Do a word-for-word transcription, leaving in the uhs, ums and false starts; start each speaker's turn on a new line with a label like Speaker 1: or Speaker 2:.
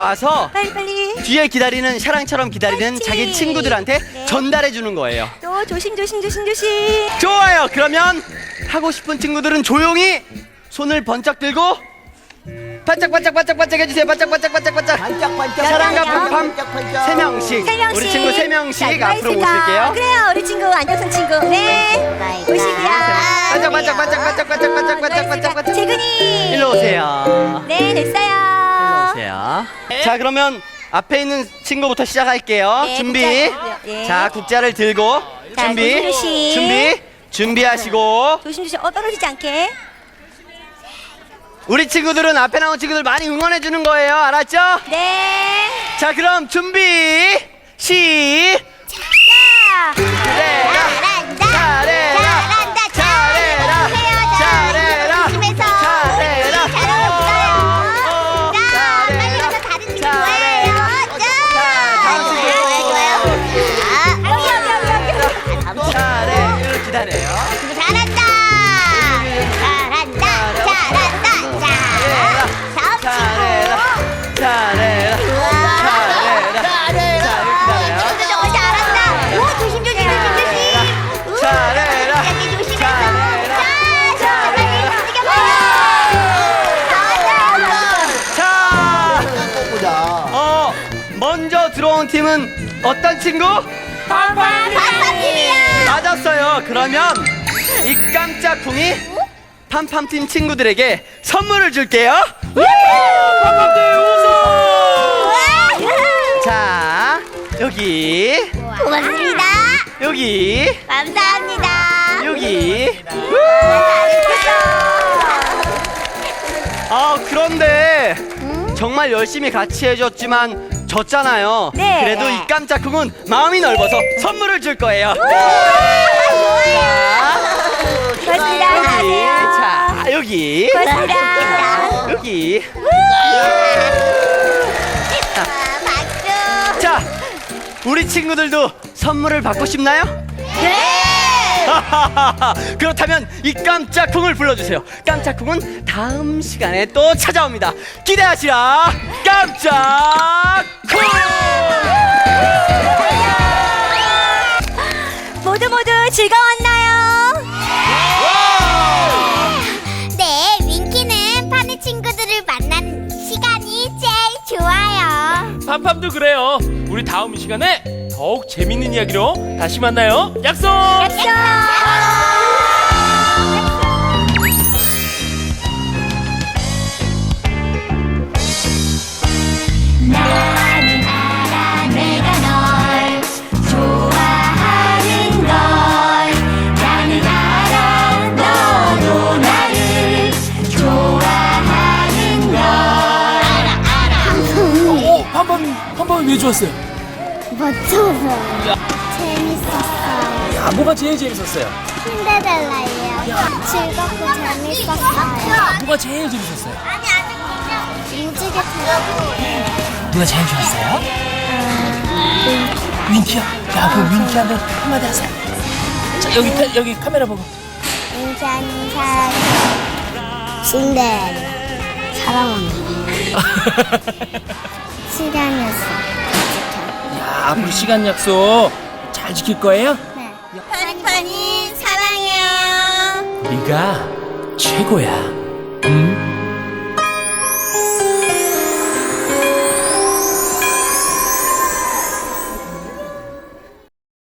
Speaker 1: 와서
Speaker 2: 빨리 빨리.
Speaker 1: 뒤에 기다리는 샤랑처럼 기다리는
Speaker 2: 그렇지.
Speaker 1: 자기 친구들한테
Speaker 2: 네.
Speaker 1: 전달해 주는 거예요.
Speaker 2: 또 조심 조심 조심 조심.
Speaker 1: 좋아요. 그러면 하고 싶은 친구들은 조용히 손을 번쩍 들고 반짝반짝 반짝반짝 해주세요. 반짝반짝 반짝반짝.
Speaker 3: 반짝반짝.
Speaker 1: 사랑과
Speaker 2: 반짝반짝.
Speaker 1: 팡팡
Speaker 3: 반짝반짝.
Speaker 1: 세 명씩.
Speaker 2: 세 명씩.
Speaker 1: 우리 친구 세
Speaker 2: 자,
Speaker 1: 명씩
Speaker 2: 누가
Speaker 1: 앞으로
Speaker 2: 있을까?
Speaker 1: 모실게요.
Speaker 2: 그래요, 우리 친구 안정선 친구. 네. 보시고요.
Speaker 1: 반짝반짝 반짝반짝 반짝반짝 반짝반짝 반짝.
Speaker 2: 재근이.
Speaker 1: 일로 오세요.
Speaker 2: 네, 됐어요.
Speaker 1: 보세요. 자, 그러면 앞에 있는 친구부터 시작할게요.
Speaker 2: 네,
Speaker 1: 준비.
Speaker 2: 국자. 네.
Speaker 1: 자, 국자를 들고
Speaker 2: 자,
Speaker 1: 준비.
Speaker 2: 조심조심.
Speaker 1: 준비. 준비하시고.
Speaker 2: 조심 조심. 어 떨어지지 않게.
Speaker 1: 우리 친구들은 앞에 나온 친구들 많이 응원해 주는 거예요. 알았죠?
Speaker 2: 네.
Speaker 1: 자, 그럼 준비. 시작.
Speaker 2: 자.
Speaker 1: 잘해라.
Speaker 2: 잘한다.
Speaker 1: 잘해라.
Speaker 2: 잘한다.
Speaker 1: 잘해라. 잘해라.
Speaker 2: 조심해서.
Speaker 1: 잘해라.
Speaker 2: 우리 잘하고
Speaker 1: 어,
Speaker 2: 있어요. 자, 빨리
Speaker 1: 잘해라.
Speaker 2: 가서 다른 친구
Speaker 1: 잘해라.
Speaker 2: 뭐예요?
Speaker 1: 자, 다음 친구.
Speaker 2: 자, 여기 여기 여기 여기.
Speaker 1: 잘해. 이렇게 기다려요.
Speaker 2: 잘한다. 잘한다. 잘한다. 자, 다음
Speaker 1: 잘해라. 잘해라. 잘해라.
Speaker 2: 잘해라.
Speaker 1: 자, 이렇게 기다려요.
Speaker 2: 친구 정말 잘한다. 오, 조심 조심 조심 조심. 우,
Speaker 1: 잘해라.
Speaker 2: 여기 조심해서.
Speaker 1: 잘해라.
Speaker 2: 자, 자, 빨리 움직여봐요. 잘한다.
Speaker 1: 자,
Speaker 3: 보자.
Speaker 1: 어, 먼저 들어온 팀은 어떤 친구?
Speaker 2: 반반팀이야.
Speaker 1: 맞았어요. 그러면 이 깜짝 쿵이 팜팜팀 친구들에게 선물을 줄게요. 자, 여기,
Speaker 2: 고맙습니다.
Speaker 1: 여기,
Speaker 2: 감사합니다.
Speaker 1: 여기.
Speaker 2: 잘했어요.
Speaker 1: 아, 그런데 정말 열심히 같이 해줬지만 졌잖아요.
Speaker 2: 네.
Speaker 1: 그래도 이 깜짝 쿵은 마음이 넓어서 선물을 줄 거예요.
Speaker 2: 고맙습니다.
Speaker 1: 여기,
Speaker 2: 안녕하세요.
Speaker 1: 자, 여기,
Speaker 2: 고맙습니다.
Speaker 1: 여기.
Speaker 2: 아, 박수.
Speaker 1: 자, 우리 친구들도 선물을 받고 싶나요?
Speaker 2: 네.
Speaker 1: 그렇다면 이 깜짝 쿵을 불러주세요. 깜짝 쿵은 다음 시간에 또 찾아옵니다. 기대하시라. 깜짝 쿵!
Speaker 2: 모두 모두 즐거웠나요? 네, 윙키는 파는 친구들을 만난 시간이 제일 좋아요.
Speaker 4: 팜팜도 그래요. 우리 다음 시간에 더욱 재밌는 이야기로 다시 만나요. 약속!
Speaker 2: 약속. 나는 알아 내가 널 좋아하는 걸. 나는 알아 너도 나를 좋아하는 걸. 알아 알아.
Speaker 4: 오, 팜팜, 팜팜이 왜 좋았어요?
Speaker 5: 멋져서 재밌었어요.
Speaker 4: 야, 뭐가 제일 재밌었어요?
Speaker 5: 신데렐라예요. 즐겁고 재밌었어요.
Speaker 4: 뭐가 제일 재밌었어요?
Speaker 5: 무지개 타고
Speaker 4: 누가 제일 좋았어요? 윙키야. 야, 그 윙키한테 한마디 하세요. 자, 여기 카, 여기 카메라 보고.
Speaker 5: 인사는 사랑 신데렐라 사랑합니다. 시간이었어.
Speaker 4: 야, 앞으로 시간 약속 잘 지킬 거예요?
Speaker 5: 네.
Speaker 2: 파니파니 사랑해요.
Speaker 4: 네가 최고야. 응?